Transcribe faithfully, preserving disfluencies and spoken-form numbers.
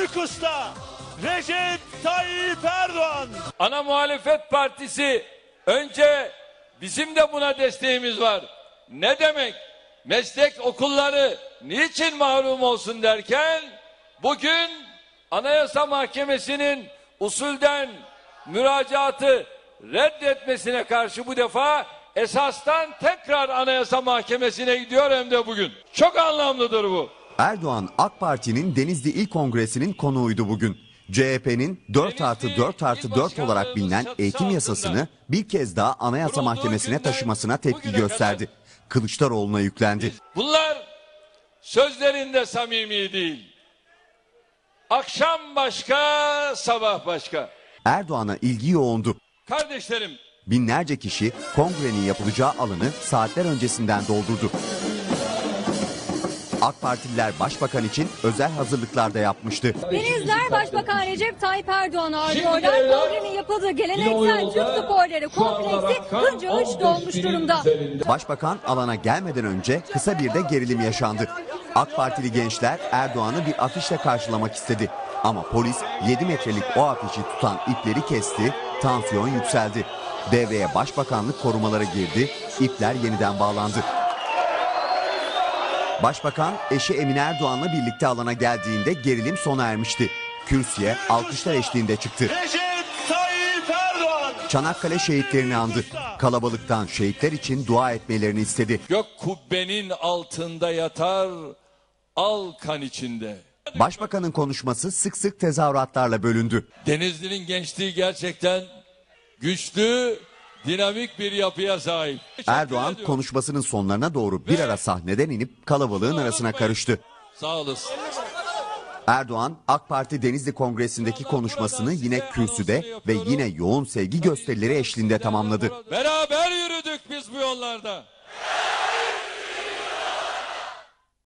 büyük usta Recep Tayyip Erdoğan. Ana muhalefet partisi önce bizim de buna desteğimiz var. Ne demek? Meslek okulları niçin mahrum olsun derken bugün Anayasa Mahkemesi'nin usulden müracaatı reddetmesine karşı bu defa esastan tekrar Anayasa Mahkemesi'ne gidiyor hem de bugün. Çok anlamlıdır bu. Erdoğan AK Parti'nin Denizli İl Kongresi'nin konuğuydu bugün. C H P'nin dört artı dört artı dört olarak bilinen eğitim yasasını bir kez daha Anayasa Mahkemesi'ne taşımasına tepki gösterdi. Kılıçdaroğlu'na yüklendi. Bunlar sözlerinde samimi değil. Akşam başka, sabah başka. Erdoğan'a ilgi yoğundu. Kardeşlerim, Binlerce kişi kongrenin yapılacağı alanı saatler öncesinden doldurdu. AK Partililer Başbakan için özel hazırlıklar da yapmıştı. Denizler Başbakan Recep Tayyip Erdoğan ağırlıyorlar. Kongrenin yapıldığı geleneksel Türk sporları kompleksi hınca hınç dolmuş durumda. Başbakan alana gelmeden önce kısa bir de gerilim yaşandı. AK Partili gençler Erdoğan'ı bir afişle karşılamak istedi. Ama polis yedi metrelik o afişi tutan ipleri kesti, tansiyon yükseldi. Devreye Başbakanlık korumaları girdi, ipler yeniden bağlandı. Başbakan eşi Emine Erdoğan'la birlikte alana geldiğinde gerilim sona ermişti. Kürsüye alkışlar eşliğinde çıktı. Recep Tayyip Erdoğan. Çanakkale şehitlerini andı. Kalabalıktan şehitler için dua etmelerini istedi. gök kubbenin altında yatar, al kan içinde. Başbakanın konuşması sık sık tezahüratlarla bölündü. Denizli'nin gençliği gerçekten güçlü, dinamik bir yapıya sahip. Erdoğan konuşmasının sonlarına doğru bir ara sahneden inip kalabalığın arasına karıştı. Sağ olasın. Erdoğan AK Parti Denizli Kongresi'ndeki konuşmasını yine kürsüde ve yine yoğun sevgi gösterileri eşliğinde tamamladı. Beraber yürüdük biz bu yollarda.